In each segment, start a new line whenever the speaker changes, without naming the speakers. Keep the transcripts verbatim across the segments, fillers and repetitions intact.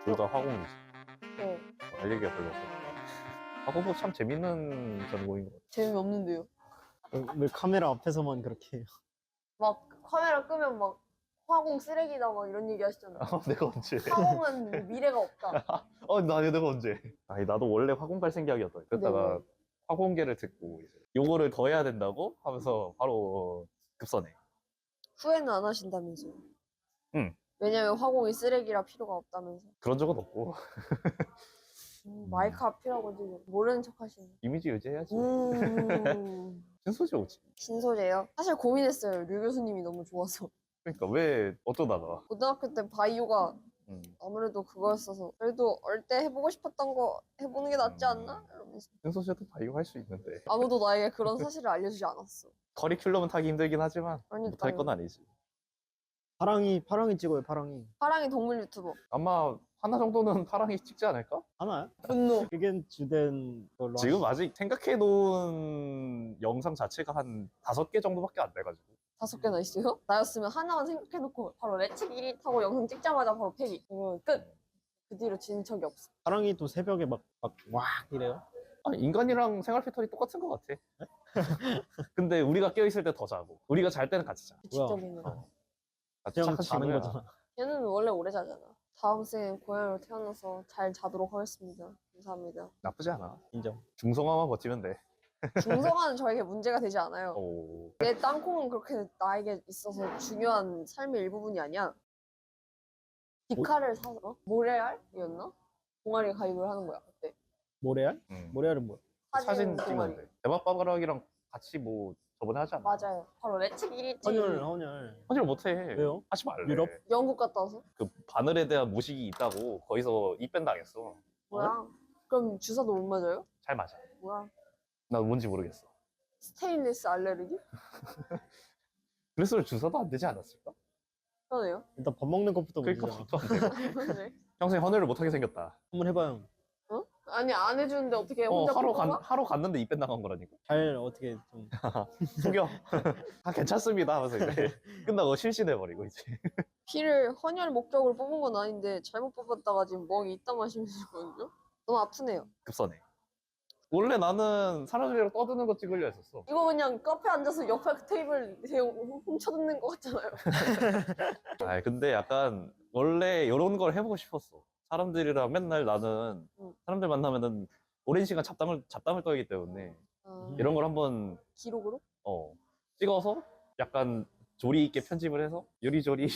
둘 다 화공이지.
네.
할 얘기가 별로 없어. 화공도 참 재밌는 전공인 것 같아.
재미없는데요.
왜 카메라 앞에서만 그렇게 해요?
막 카메라 끄면 막 화공 쓰레기다 막 이런 얘기 하시잖아요.
어, 내가 언제?
화공은 미래가 없다.
어, 나 내가 언제? 아니, 나도 원래 화공 갈 생각이었다. 그러다가
네.
화공계를 듣고 이제 요거를 더 해야 된다고 하면서 바로 급선해.
후회는 안 하신다면서요?
응.
왜냐면 화공이 쓰레기라 필요가 없다면서.
그런 적은 없고
음, 마이크가 필요하고 지금 모르는 척 하시네.
이미지 유지해야지.
음.
신소지 오지.
신소재요? 사실 고민했어요. 류 교수님이 너무 좋아서.
그러니까 왜 어쩌다가?
고등학교 때 바이오가
음.
아무래도 그거였어서 그래도 얼때 해보고 싶었던 거 해보는 게 낫지 않나? 이러면서
신소지도 바이오 할 수 있는데
아무도 나에게 그런 사실을 알려주지 않았어.
커리큘럼은 타기 힘들긴 하지만
그러니까요.
못할 건 아니지.
파랑이 파랑이 찍어요. 파랑이
파랑이 동물 유튜버.
아마 하나 정도는 파랑이 찍지 않을까?
하나요?
분노.
그게 주된 걸로
지금 아직 생각해 놓은 영상 자체가 한 다섯 개 정도밖에 안 돼가지고.
다섯 개나 있어요? 나였으면 하나만 생각해놓고 바로 레츠 일 위 타고 영상 찍자마자 바로 폐기. 이거 끝. 그 뒤로 진 적이 없어.
파랑이 또 새벽에 막 막 와 이래요?
아니, 인간이랑 생활 패턴이 똑같은 것 같아. 근데 우리가 깨어있을 때 더 자고 우리가 잘 때는 같이 자.
규칙적이네.
어. 같이
그냥
착한
자는
친구야.
거잖아.
걔는 원래 오래 자잖아. 다음 생에 고양이로 태어나서 잘 자도록 하겠습니다. 감사합니다.
나쁘지 않아.
인정.
중성화만 버티면 돼.
중성화는 저에게 문제가 되지 않아요.
오.
내 땅콩은 그렇게 나에게 있어서 중요한 삶의 일부분이 아니야. 디카를 사서 모래알이었나? 동아리 가입을 하는 거야 그때.
모래알?
음.
모래알은 뭐야?
사진
동아리.
찍으면 돼. 대박바바락이랑 같이 뭐 저번에 하지 않나?
맞아요. 바로 레츠 일 위
헌혈 헌혈.
헌혈 못해.
왜요?
하지 말래.
유럽?
영국 갔다 와서?
그 바늘에 대한 무식이 있다고 거기서 입밴 당했어.
뭐야? 그럼 주사도 못 맞아요?
잘 맞아.
뭐야?
나 뭔지 모르겠어.
스테인리스 알레르기?
그래서 주사도 안 되지 않았을까?
그러네요.
일단 밥 먹는 것부터
그러니까
문제잖아.
밥도 안 되고.
네.
평생 헌혈을 못하게 생겼다.
한번 해봐요.
어? 아니 안 해주는데 어떻게
어,
혼자
하러,
뽑아?
간, 하러 갔는데 입밴 당한 거라니까.
잘 어떻게 좀
숙여. 아, 괜찮습니다 하면서 이제 끝나고 실신해버리고 이제.
피를 헌혈 목적으로 뽑은 건 아닌데 잘못 뽑았다가 지금 멍이 이따 마시면서거든요? 너무 아프네요.
급선해. 원래 나는 사람들이랑 떠드는 거 찍으려 했었어.
이거 그냥 카페 앉아서 옆에 테이블 대용 훔쳐듣는 것 같잖아요.
아 근데 약간 원래 이런 걸 해보고 싶었어. 사람들이랑 맨날 나는
응.
사람들 만나면은 오랜 시간 잡담을 잡담을 떨기 때문에
아,
이런 걸 한번
기록으로?
어 찍어서 약간 조리 있게 편집을 해서 요리조리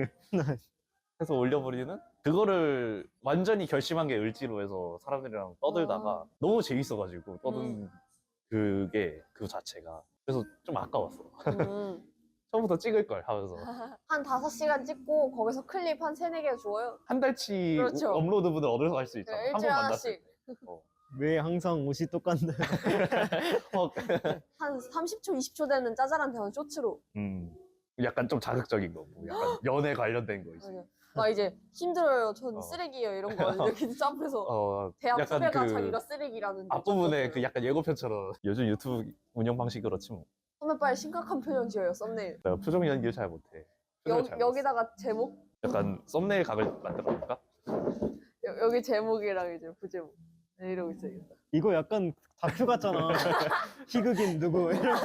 해서 올려버리는 그거를 완전히 결심한 게 을지로 해서 사람들이랑 떠들다가
아.
너무 재밌어가지고 떠든 그게 그 자체가 그래서 좀 아까웠어.
음.
처음부터 찍을 걸 하면서
한 다섯 시간 찍고 거기서 클립 한 세네 개 주어요.
한 달치
그렇죠.
업로드분을 얻어서 할 수 있잖아.
네,
한 번
일주일에
만났을
하나씩.
때. 어.
왜 항상 옷이 똑같나요?
어,
한 삼십 초, 이십 초 되는 짜잘한 대화는 쇼츠로.
음, 약간 좀 자극적인 거, 뭐 약간 연애 관련된 거 이제.
맞아요. 막 이제 힘들어요. 전
어.
쓰레기예요. 이런 거 이렇게 점프해서
어,
대학
약간
후배가
그
자기가 쓰레기라는.
앞부분에 그 약간 예고편처럼 요즘 유튜브 운영 방식 그렇지 뭐.
선배 빨리 심각한 표정 지어요. 썸네일.
내가 표정 연기를 잘 못해. 표정을
여,
잘
여기다가 제목?
못해. 약간 썸네일 각을 만들어 볼까?
여, 여기 제목이랑 이제 부제목. 네, 이러고 있어야겠다.
이거 약간 다큐 같잖아. 희극인 누구 이런.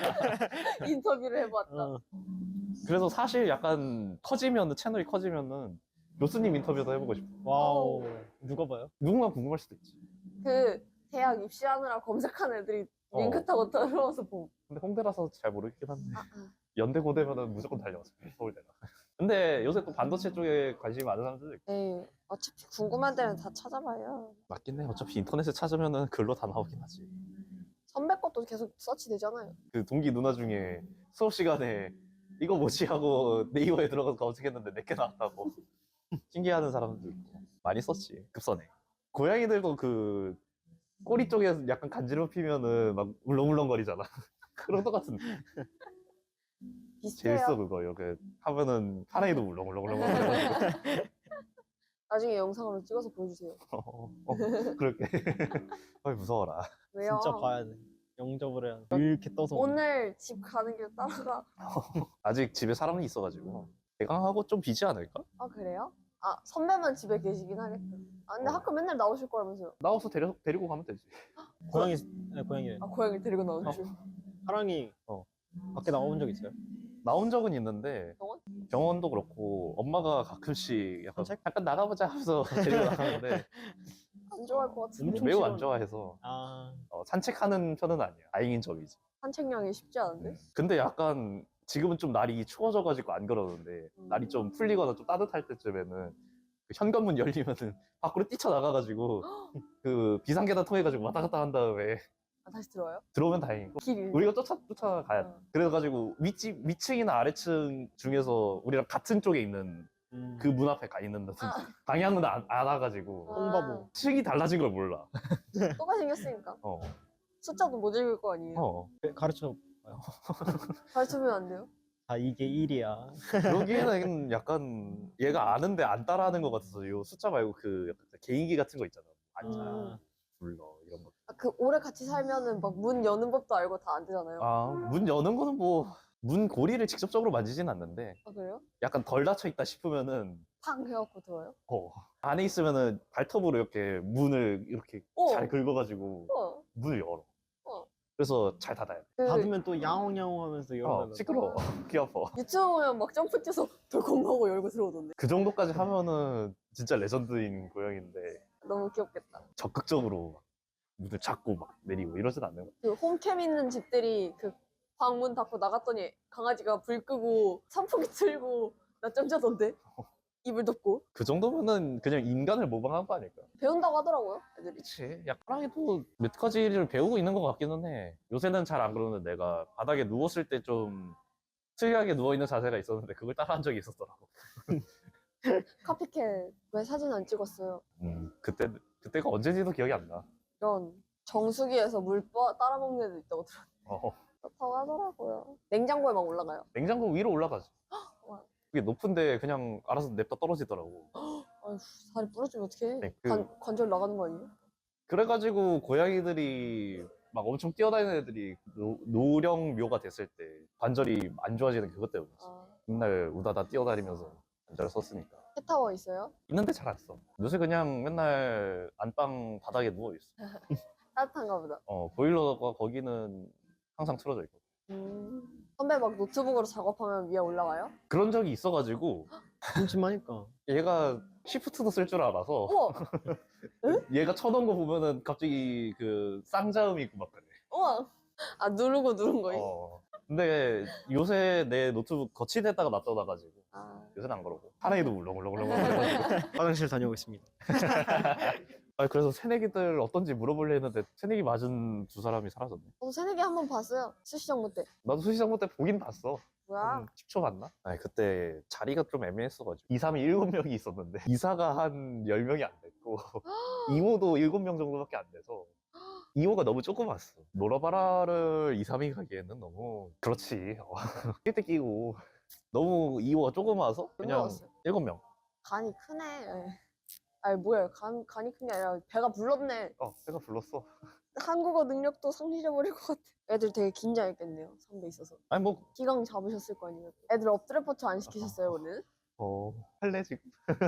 인터뷰를 해봤다.
어.
그래서 사실 약간 커지면은 채널이 커지면은 교수님 인터뷰도 해보고 싶어.
와우. 누가 봐요?
누군가 궁금할 수도 있지.
그 대학 입시하느라 검색한 애들이
어.
링크 타고 들어와서 봄.
근데 홍대라서 잘 모르겠긴 한데
아, 아.
연대 고대면은 무조건 달려왔어 서울대가. 근데 요새 또 반도체 쪽에 관심이 많은 사람들도 있고.
네, 어차피 궁금한 데는 다 찾아봐요.
맞긴 해. 어차피 인터넷에 찾으면은 글로 다 나오긴 하지.
선배 것도 계속 서치 되잖아요.
그 동기 누나 중에 수업 시간에 이거 뭐지 하고 네이버에 들어가서 검색했는데 내게 나왔다고 신기해하는 사람도 있고 많이 썼지. 급선해. 고양이들도 그 꼬리 쪽에 약간 간지럽히면은 막 울렁울렁거리잖아. 그런 똑같은데.
비슷해요.
재밌어 그거. 이렇게 하면은 파랑이도 울렁울렁울렁거리고.
나중에 영상으로 찍어서 보여주세요.
어, 어, 그럴게. 어이 무서워라.
왜요?
진짜 봐야 돼. 영접을 해야 돼. 이렇게 떠서.
오늘 집 가는 길 따라가.
아직 집에 사람이 있어가지고 대강하고 좀 비지 않을까?
아, 그래요? 아 선배만 집에 계시긴 하겠다. 아 근데
어.
학교 맨날 나오실 거라면서요.
나와서 데려, 데리고 가면 되지.
고양이 네, 고양이래.
아 고양이를 데리고 나오는 줄.
하랑이
어.
밖에 나와본 적 있어요?
나온 적은 있는데
병원?
병원도 그렇고 엄마가 가끔씩 약간
산책?
잠깐 나가보자 하면서 데리고 나가는데
안 좋아할 것 같은데.
엄청
매우
싫어하네.
안 좋아해서
아
어, 산책하는 편은 아니야. 다행인 점이지.
산책량이 쉽지 않은데.
근데 약간 지금은 좀 날이 추워져가지고 안 그러는데
음.
날이 좀 풀리거나 좀 따뜻할 때쯤에는 그 현관문 열리면은 밖으로 뛰쳐나가가지고 그 비상계단 통해가지고 왔다 갔다 한 다음에
아 다시 들어와요?
들어오면 다행이고
길이.
우리가 쫓아, 쫓아가야 돼.
어.
그래가지고 윗집, 위층이나 아래층 중에서 우리랑 같은 쪽에 있는
음.
그 문 앞에 가 있는다든지 방향은 안, 안 와가지고
아,
똥바보.
층이 달라진 걸 몰라.
똑같이 생겼으니까
어,
숫자도 못 읽을 거 아니에요.
어.
가르쳐.
가르치면 안 돼요?
아 이게 일이야.
그러기에는 약간 얘가 아는데 안 따라하는 것 같아서 요 숫자 말고 그 약간 개인기 같은 거 있잖아. 앉아,
음.
불러 이런 거.
아, 그 오래 같이 살면은 막 문 여는 법도 알고 다 안 되잖아요. 아,
아, 문 여는 거는 뭐 문 고리를 직접적으로 만지진 않는데
그래요?
약간 덜 닫혀 있다 싶으면은
팡 해갖고 들어요?
어, 안에 있으면은 발톱으로 이렇게 문을 이렇게
어.
잘 긁어가지고
어.
문을 열어.
어.
그래서 잘 닫아야 돼.
그
닫으면 또 야옹야옹 하면서
어,
열어달라.
시끄러워. 귀 아파.
유튜브 보면 막 점프 뛰어서 돌콩하고 열고 들어오던데.
그 정도까지 하면은 진짜 레전드인 고양인데
너무 귀엽겠다.
적극적으로 막 문을 잡고 막 내리고 이러진 않는 거야.
그 홈캠 있는 집들이 그 방문 닫고 나갔더니 강아지가 불 끄고 선풍기 틀고 낮잠 자던데. 이불 덮고.
그 정도면은 그냥 인간을 모방한 거 아닐까?
배운다고 하더라고요, 애들이.
그치. 약간이 또 몇 가지를 배우고 있는 것 같기는 해. 요새는 잘 안 그러는데 내가 바닥에 누웠을 때 좀 특이하게 누워있는 자세가 있었는데 그걸 따라한 적이 있었더라고.
카피캣 왜 사진 안 찍었어요?
음, 그때, 그때가 언제인지도 기억이 안 나.
이런 정수기에서 물 빠- 따라 먹는 애도 있다고 들었는데
어,
그렇다고 하더라고요. 냉장고에 막 올라가요.
냉장고 위로 올라가지.
와.
그게 높은데 그냥 알아서 냅다 떨어지더라고.
아휴, 다리 부러지면 어떡해.
네, 그-
관, 관절 나가는 거 아니에요?
그래가지고 고양이들이 막 엄청 뛰어다니는 애들이 노, 노령묘가 됐을 때 관절이 안 좋아지는 그것 때문이지.
아,
맨날 우다다 뛰어다니면서 관절을 썼으니까.
캣타워 있어요?
있는데 잘 안 써. 요새 그냥 맨날 안방 바닥에 누워있어.
따뜻한가 보다.
어, 보일러가 거기는 항상 틀어져 있고.
음. 선배 막 노트북으로 작업하면 위에 올라가요?
그런 적이 있어가지고
심심하니까.
얘가 시프트도 쓸 줄 알아서
우와!
얘가 쳐놓은 거 보면은 갑자기 그 쌍자음이 있고 막 그래.
우와! 아, 누르고 누른 거예요?
어. 근데 요새 내 노트북 거치대에다가 놔둬놔가지고
아,
요새는 안 그러고 하나에도 울렁울렁울렁.
화장실 다녀오겠습니다.
아 그래서 새내기들 어떤지 물어보려 했는데 새내기 맞은 두 사람이 사라졌네.
저도 새내기 한 번 봤어요. 수시정모 때.
나도 수시장부 때 보긴 봤어.
뭐야?
한 십 초 봤나? 아니 그때 자리가 좀 애매했어가지고 이삼이 일곱 명이 있었는데 이사가 한 열 명이 안 됐고 이모도 일곱 명 정도밖에 안 돼서 이모가 너무 조그맣어. 놀아봐라를 이삼이 가기에는 너무 그렇지. 낄 때 끼고 너무 이모가 조그마서 그냥
놀라웠어요.
일곱 명.
간이 크네. 예. 아니, 뭐야. 간, 간이 큰 게 아니라 배가 불렀네.
어 내가 불렀어.
한국어 능력도 상실해버릴 것 같아. 애들 되게 긴장했겠네요. 선배 있어서.
아니 뭐
기강 잡으셨을 거 아니에요. 애들 엎드려 뻗쳐 안 시키셨어요, 오늘?
어, 할래 지금?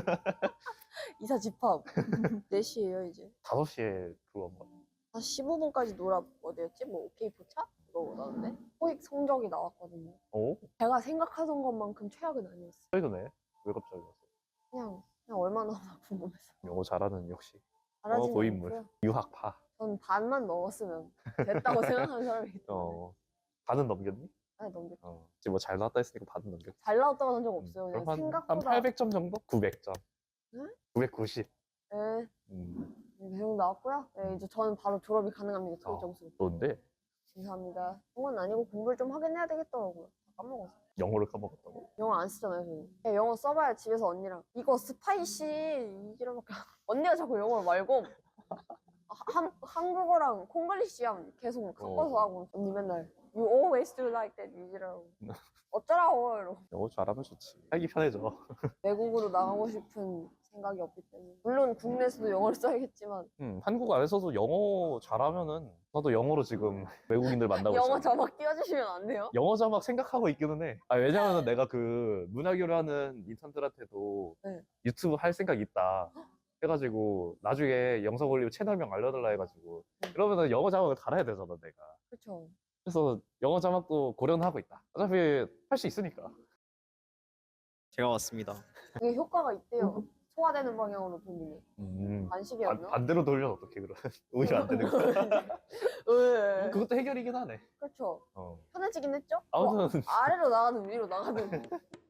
이사 집합. 네 시에요, 이제.
다섯 시에 그거 뭐.
한 십오 분까지 놀아, 어디였지? 뭐, 오케이 포차? 그거 나왔는데? 토익 성적이 나왔거든요.
어?
제가 생각하던 것만큼 최악은 아니었어요.
최근에? 왜 갑자기 왔어?
그냥, 그냥 얼마나 나오나 궁금해서.
영어 잘하는 역시
잘하지는
어, 고인물.
않고요.
유학파.
전 반만 넣었으면 됐다고 생각하는 사람이기 때문에.
어 반은 넘겼니?
아니, 넘겼
어 지금 뭐 잘 나왔다 했으니까 반은 넘겼지.
잘 나왔다고 한 적
음,
없어요.
그럼
그냥
한, 한
생각보다.
팔백 점 정도? 구백 점.
응?
구백구십.
네,
음,
계속 나왔고요. 네, 이제 저는 바로 졸업이 가능합니다. 토익
어.
점수.
좋은데
감사합니다. 그건 아니고 공부를 좀 하긴 해야 되겠더라고요. 다 까먹었어.
영어를 까먹었다고?
영어 안 쓰잖아요, 저는. 그냥 영어 써봐야 집에서 언니랑 이거 스파이시 이지랄밖에 안- 언니가 자꾸 영어를 말고 한, 한국어랑 콩글리시랑 계속 섞어서
어.
하고 언니 맨날 You always do like that 이지라고. 어쩌라고 이러고.
영어 잘하면 좋지. 살기 편해져.
외국으로 나가고 싶은 생각이 없기 때문에. 물론 국내에서도 영어를 써야겠지만
음, 한국 안에서도 영어 잘하면은 나도 영어로 지금 외국인들 만나고
영어
있잖아.
자막 띄워주시면 안 돼요?
영어 자막 생각하고 있기는 해. 아, 왜냐면은 내가 그 문화교류하는 인턴들한테도
네.
유튜브 할 생각 있다 해가지고 나중에 영상 올리고 채널명 알려달라 해가지고
네.
그러면은 영어 자막을 달아야 되잖아 내가.
그렇죠.
그래서 영어 자막도 고려는 하고 있다. 어차피 할 수 있으니까.
제가 왔습니다.
이게 효과가 있대요. 소화되는 방향으로 돌리면.
음.
안식이라고요?
반, 반대로 돌면 어떡해 그럼. 오히려 안 되는 거야.
네.
그것도 해결이긴 하네.
그렇죠.
어.
편해지긴 했죠?
아무튼
뭐 아래로 나가든 위로 나가든